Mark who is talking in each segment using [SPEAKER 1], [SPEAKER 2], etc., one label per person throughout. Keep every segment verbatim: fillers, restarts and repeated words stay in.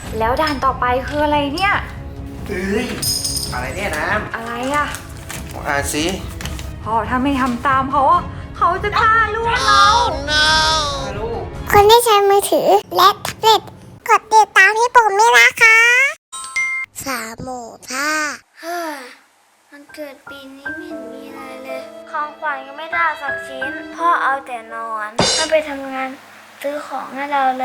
[SPEAKER 1] แล้วด่านต่อไปคืออะไรเนี่ย
[SPEAKER 2] เอ้ยอะไรเนี่ยน้
[SPEAKER 1] อะไรอะ
[SPEAKER 2] ำอ่านสิ
[SPEAKER 1] พ่อถ้าไม่ทำตามเขาอะเขาจะฆ่าลูกเรา
[SPEAKER 2] ลูก
[SPEAKER 3] คนที่ใช้มือถือและแท็บเล็ตกดติดตามที่ผมด้วยนะคะสามหมูท่าเฮ้ยมันเกิดปีนี้ไม่เห็นมีอะไรเลยของขวัญก็ไม่ได้สักชิ้น พ่อเอาแต่นอนถ้าไปทำงานซื้อของให้เราเลย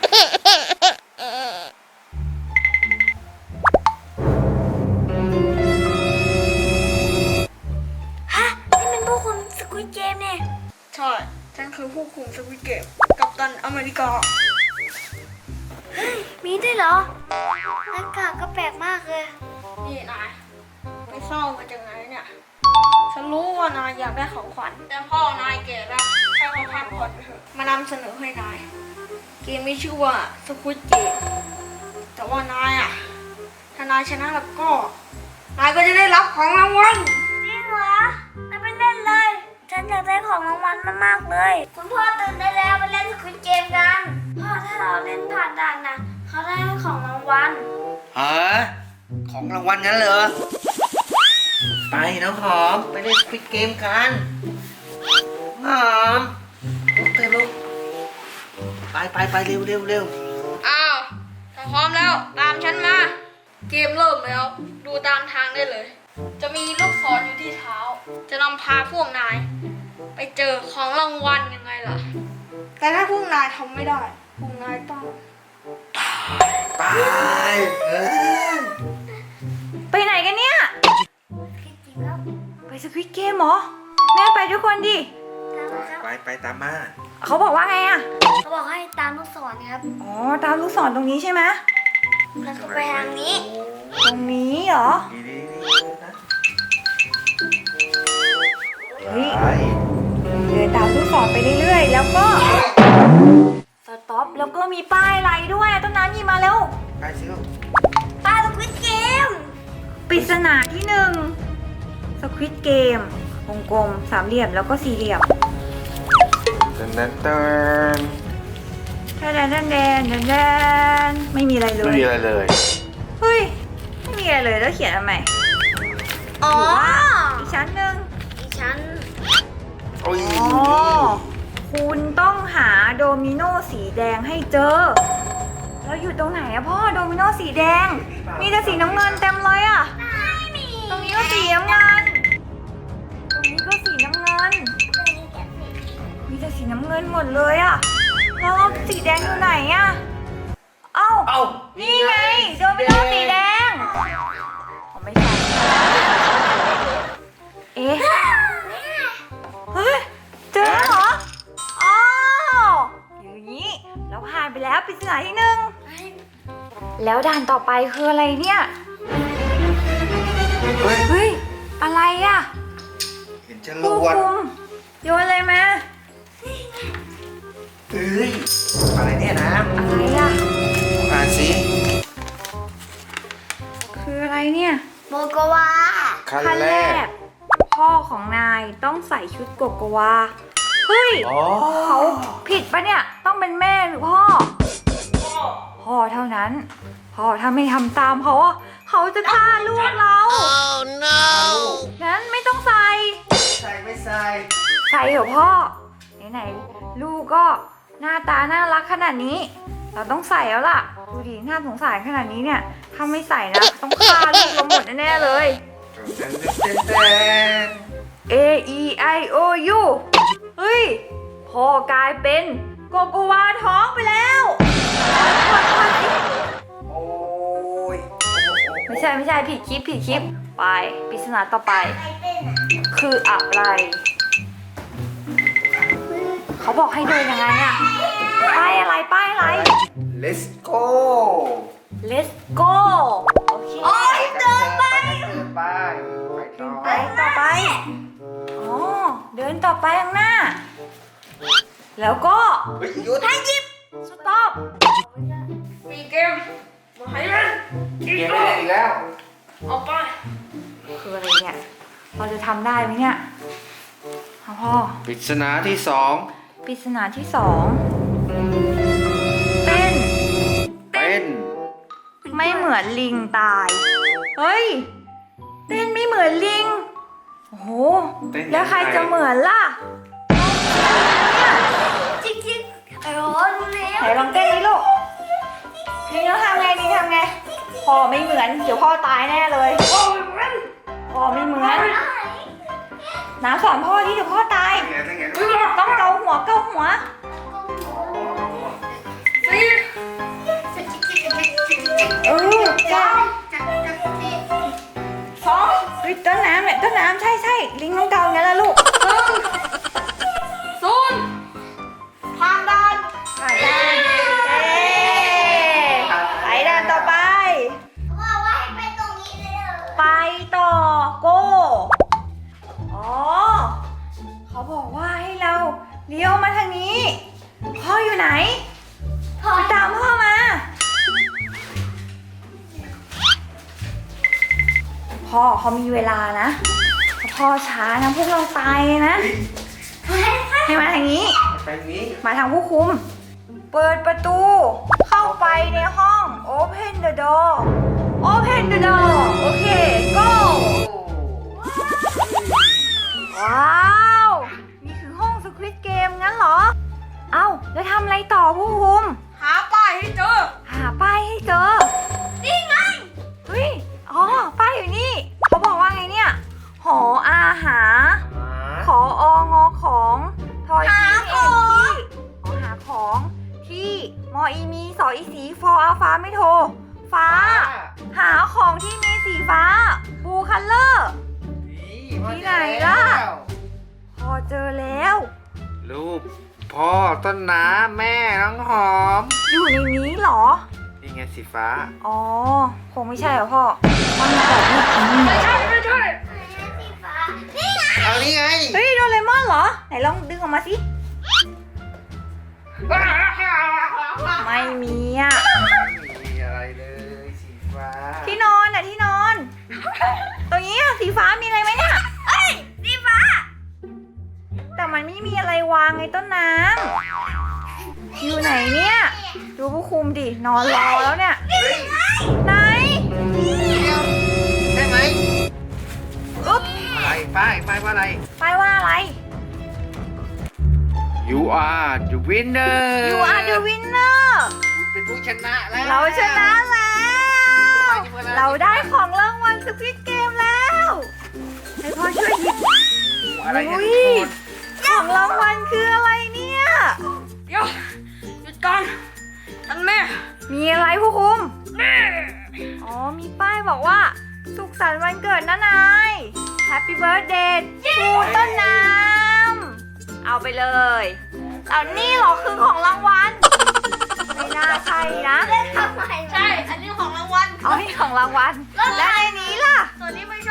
[SPEAKER 3] ฮะ นี่เป็นพวกคุณสควิดเกมเนี่ย
[SPEAKER 4] ใช่ ฉันคือผู้คุมสวิตเกมกัปตันอเมริกา
[SPEAKER 3] มีด้วยเหรอหน้ากากก็แปลกมากเลย
[SPEAKER 4] นี่นายไปเศร้ามาจากไหนเนี่ย ฉันรู้ว่านายอยากได้ของขวัญ แต่พ่อนายแก่แล้วให้เขาพักผ่อนไปเถอะ มานำเสนอให้นาย เกมมีชื่อว่าสควิดเกมแต่ว่านายอ่ะ ถ้านายชนะแล้วก็ นายก็จะได้รับของรางวัล
[SPEAKER 3] จริงเหรอไม่ไปเล่นเลย ฉันอยากได้ของรางวัลมากๆเลย คุณพ่อตื่นได้แล้วไปเล่นสควิดเกมกัน พ่อถ้าเราเล่นผ่านด่านนะเขาได้ของรางวัล
[SPEAKER 2] ฮะของรางวัลงั้นเหรอ ไปน้องหอม ไปเล่นสควิดเกมกันหอมลุกเถอะลูกไปไปไปเร็วเร็วเร็ว
[SPEAKER 4] อ้าวถ้าพร้อมแล้วตามฉันมา เกมเริ่มแล้ว ดูตามทางได้เลย จะมีลูกศรอยู่ที่เท้า จะนำพาพวกนาย ไปเจอของรางวัลยังไงล่ะ แต่ถ้าพวกนายทำไม่ได้ พวกนายต้อง
[SPEAKER 2] ไปเออ
[SPEAKER 1] ไปไหนกันเนี่ย
[SPEAKER 3] คิดจริงครับ
[SPEAKER 1] ไปสควิดเกมเหรอ แม่ไปด้วยคนดิ
[SPEAKER 3] ตามมาครับ
[SPEAKER 2] ไปไปตามมา
[SPEAKER 1] เขาบอกว่าไงอะ
[SPEAKER 3] เขาบอกให้ตามลูกศรครับ
[SPEAKER 1] อ๋อ ตามลูกศรตรงนี้ใช่ไหม
[SPEAKER 3] แล้วก็ไปทางนี้
[SPEAKER 1] ตรงนี้เหรอ
[SPEAKER 2] ดีดีดีนะ
[SPEAKER 1] เฮ้ย
[SPEAKER 2] ไป
[SPEAKER 1] เดินตามลูกศรไปเรื่อยๆ แล้วก็ สต็อป แล้วก็มีป้ายอะไรด้วยต้นน้ำหยิบมาแล้ว
[SPEAKER 2] ไปสิลูก
[SPEAKER 3] ป้าสควิดเกม
[SPEAKER 1] ปริศนาที่หนึ่งสควิดเกมวงกลมสามเหลี่ยมแล้วก็สี่เหลี่ยม
[SPEAKER 2] เดินเดินเดิน
[SPEAKER 1] แดนแดนแดนแดนแดนไม่มีอะไรเล
[SPEAKER 2] ไม่
[SPEAKER 1] ย
[SPEAKER 2] มีอะไรเลย
[SPEAKER 1] เฮ้ย ไม่มีอะไรเลยแล้วเขียนทำไม
[SPEAKER 3] อ๋อ
[SPEAKER 1] อีกชั้นหนึ่ง
[SPEAKER 3] ดิฉัน
[SPEAKER 2] โอ้ย
[SPEAKER 1] อ๋อ คุณต้องหาโดมิโนสีแดงให้เจอ แล้วอยู่ตรงไหนอะพ่อ โดมิโนสีแดง มีแต่สีน้ำเงินเต็มเลยอะ
[SPEAKER 3] ไม่มี
[SPEAKER 1] ตรงนี้ก็สีน้ำเงิน ตรงนี้ก็สีน้ำเงิน มีแต่สีน้ำเงินหมดเลยอะแล้วสีแดงอยู่ไหนอะเอ้า
[SPEAKER 2] เอ้า
[SPEAKER 1] นี่ไง โดมิโนสีแดงผมไม่ใช่เอ๊ะ เฮ้ย เจอแล้วเหรออ๋ออยู่อย่างนี้ แล้วผ่านไปแล้วปริศนาที่หนึ่ง แล้วด่านต่อไปคืออะไรเนี่ย
[SPEAKER 2] เฮ้ย
[SPEAKER 1] เฮ้ย อะไรอะ
[SPEAKER 2] เห็นจร
[SPEAKER 1] ผู้
[SPEAKER 2] วด
[SPEAKER 1] คุมโยนอะไรมา
[SPEAKER 2] เอ้ยอะไรเนี่ยน้
[SPEAKER 1] อะไรอะ
[SPEAKER 2] ำอ่านสิ
[SPEAKER 1] คืออะไรเนี่ย
[SPEAKER 3] โมโกวา
[SPEAKER 2] ขั้น
[SPEAKER 1] ขั้น
[SPEAKER 2] แร
[SPEAKER 1] แร
[SPEAKER 2] ก
[SPEAKER 1] ก พ่อของนายต้องใส่ชุดโกโกวา เฮ้ย
[SPEAKER 2] อ๋อ
[SPEAKER 1] เขาผิดปะเนี่ย ต้องเป็นแม่หรือพ่อ พ่อเท่านั้น พ่อถ้าไม่ทำตามเขาอะเขาจะฆ่าลูกเรา งั้นไม่ต้องใส่
[SPEAKER 2] ใส่ไม่ใส่
[SPEAKER 1] ใส่เถอะพ่อ ไหนๆลูกก็หน้าตาน่ารักขนาดนี้ เราต้องใส่แล้วล่ะ ดูดิน่าสงสารขนาดนี้เนี่ย ถ้าไม่ใส่นะ ต้องฆ่าลูกเราหมดแน่ๆเลย
[SPEAKER 2] เดินเดินเดินเดิน
[SPEAKER 1] A E I O U เฮ้ย พ่อกลายเป็นโกโกวาท้องไปแล้ว
[SPEAKER 2] โอ้ย
[SPEAKER 1] ไม่ใช่ไม่ใช่ผิดคลิปผิดคลิป ไปปริศนาต่อไป คืออะไร เขาบอกให้เดินยังไงอะป้ายอะไรป้ายอะไร
[SPEAKER 2] Let's go
[SPEAKER 1] Let's go โอเค
[SPEAKER 2] เดินไปเดินไปไปต่อ
[SPEAKER 1] ไปต่อไป อ๋อ เดินต่อไปข้างหน้า แล้วก็
[SPEAKER 2] เฮ้ยหยุด
[SPEAKER 1] ให้หยิบ สต็อป
[SPEAKER 4] มีเกม มาให้เล่น
[SPEAKER 2] เกมไม่เล่นอีกแล้ว
[SPEAKER 4] เอาไป
[SPEAKER 1] คืออะไรเนี่ย เราจะทำได้ไหมเนี่ยเอาพ่อ
[SPEAKER 2] ปริศนาที่สอง
[SPEAKER 1] ปริศนาที่สองเป็น
[SPEAKER 2] เป็น
[SPEAKER 1] ไม่เหมือนลิงตาย เฮ้ย เต้นไม่เหมือนลิง โอ้โห แล้วใครจะเหมือนล่ะ
[SPEAKER 3] จริงๆไอ้โอ้ดูแล้ว
[SPEAKER 1] ไหนลองเต้นดิลูกลิงแล้วทำไงลิงทำไงพ่อไม่เหมือน เดี๋ยวพ่อตายแน่เลยพ่อไม่เหมือน น้ำสอนพ่อดิเดี๋ยวพ่อตาย ต้องเกาหัวเกาหัว เออจ้าสองเฮ้ยต้นน้ำเนี่ยต้นน้ำใช่ใช่ลิงต้องเกาอย่างนั้นละลูก
[SPEAKER 4] ศูนย์ผ่านด่าน
[SPEAKER 1] อ่ะได้เอ๊ไปด้านต่อไป
[SPEAKER 3] ว่าว่าให้ไปตรงนี้เลยเหรอ
[SPEAKER 1] ไปต่อโก้อ๋อเขาบอกว่าให้เราเลี้ยวมาทางนี้ พ่ออยู่ไหนพ่อตามพ่อมา พ่อเขามีเวลานะพ่อช้านะพวกเราตายเลยนะ ให้มาทางนี้
[SPEAKER 2] ไปนี้
[SPEAKER 1] มาทางผู้คุม เปิดประตู เข้าไปในห้อง Open the door Open the door โอเค go ว้าว นี่คือห้อง Squid Game งั้นเหรอ เอ้า แล้วทำอะไรต่อผู้คุม
[SPEAKER 4] หาป้ายให้เจอ
[SPEAKER 1] หาป้ายให้เจอ นี่ไง เฮ้ย อ๋อ ป้ายอยู่นี่ เขาบอกว่าไงเนี่ย หออาหา ขอองอของทอยทีเอ็นที่ขอหาของที่มออีมีสออีสีฟออาฟ้าไม่โทร ฟ้า หาของที่มีสีฟ้าบูคัลเลอร์ ที่ไหนล่ะ พอเจอแล้ว
[SPEAKER 2] รูปพ่อต้นน้ำแม่น้องหอม
[SPEAKER 1] อยู่ในนี้เหรอ
[SPEAKER 2] นี่ไงสีฟ้า
[SPEAKER 1] อ๋อ คงไม่ใช่เหรอพ่อมันแบบนี้
[SPEAKER 4] ไม่ใช่ไม่ใช่
[SPEAKER 3] สีฟ้านี่ไง
[SPEAKER 2] เอานี่ไง
[SPEAKER 1] เฮ้ยโดเรมอนเหรอ ไหนลองดึงออกมาสิ ไม่มีอ่ะ
[SPEAKER 2] ไม่มีอะไรเลยสีฟ้า
[SPEAKER 1] ที่นอนอ่ะที่นอน ตรงนี้อ่ะสีฟ้ามีอะไรไหมเนี่ยเอ้ยสีฟ้า แต่มันไม่มีอะไรวางไงต้นน้ำอยู่ไหนเนี่ย ดูผู้คุมดิ นอนรอแล้วเนี่ย
[SPEAKER 2] เฮ้ย
[SPEAKER 1] ไหน
[SPEAKER 2] ใช่ไหม
[SPEAKER 1] อุ๊บ
[SPEAKER 2] อะไรป้ายป้ายว่าอะไร
[SPEAKER 1] ไปายว่าอะไร
[SPEAKER 2] You are the winner
[SPEAKER 1] You are the winner
[SPEAKER 2] คุณเป็นผู้ชนะแล้ว
[SPEAKER 1] เราชนะแล้ว เราได้ของรางวัลสควิดเกมแล้ว ให้พ่อช่วยหยิบ
[SPEAKER 2] อะไรเนี่ย
[SPEAKER 1] อุ๊ย ของรางวัลคืออะไรเนี่ย
[SPEAKER 4] เดี๋ยวหยุดก่อนท่านแม่
[SPEAKER 1] มีอะไรผู้คุม
[SPEAKER 4] แม่
[SPEAKER 1] อ๋อ มีป้ายบอกว่า สุขสันต์วันเกิดนะนาย Happy Birthday ทูต้นน้ำ เอาไปเลยเอานี่เหรอคือของรางวัล ไม่น่าใช่นะ
[SPEAKER 3] ทำไม
[SPEAKER 4] ใช่ อันนี้ของรางวัล
[SPEAKER 1] เอานี่ของรางวัล และในนี้ล่ะ
[SPEAKER 4] ส่วนนี้ไม่ใช่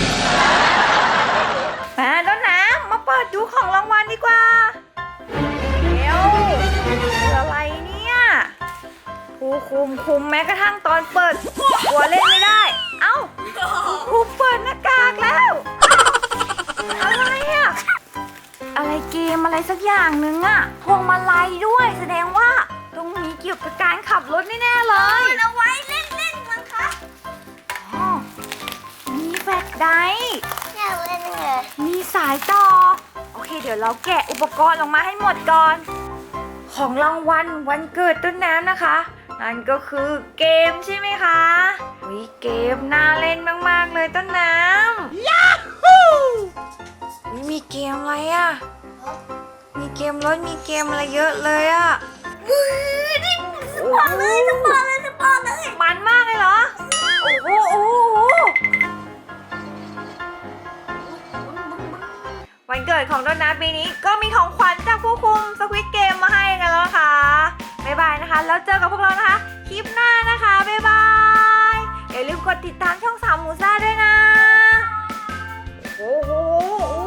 [SPEAKER 1] มาต้นน้ำมาเปิดดูของรางวัลดีกว่าเร็วคืออะไรเนี่ยผู้คุมคุมแม้กระทั่งตอนเปิดกลัวเล่นไม่ได้ เอ้าครูเปิดหน้ากากแล้วอะไรอะอะไรเกมอะไรสักอย่างหนึงอะพวงมาลัยด้วยแสดงว่าตรงนี้เกี่ยวกับการขับรถแน่ๆเลย
[SPEAKER 3] เอาไว้เล่นเล่นมั้งคะ
[SPEAKER 1] อ๋อมีแฟลชไดรฟ์
[SPEAKER 3] อยากเล่นเลย
[SPEAKER 1] มีสายต่อ โอเค เดี๋ยวเราแกะอุปกรณ์ออกมาให้หมดก่อน ของรางวัลวันเกิดต้นน้ำนะคะ นั่นก็คือเกมใช่ไหมคะวิเกมน่าเล่นมากๆเลยต้นน้ำยาฮูวิมีเกมอะไรอะมีเกมรถมีเกมอะไรเยอะเลยอะ
[SPEAKER 3] มือนี่สปอร์ตเลยสปอร์ตเลยสปอร์ตเลย
[SPEAKER 1] มันมากเลยเหรอ โอ้โหโอ้โห วันเกิดของต้นน้ำปีนี้ก็มีของขวัญจากผู้คุมสควิดเกมมาให้กันแล้วนะคะบ๊ายบายนะคะ แล้วเจอกับพวกเรานะคะ คลิปหน้านะคะบ๊ายบาย อย่าลืมกดติดตามช่องสามหมูซ่าด้วยนะ โอ้โห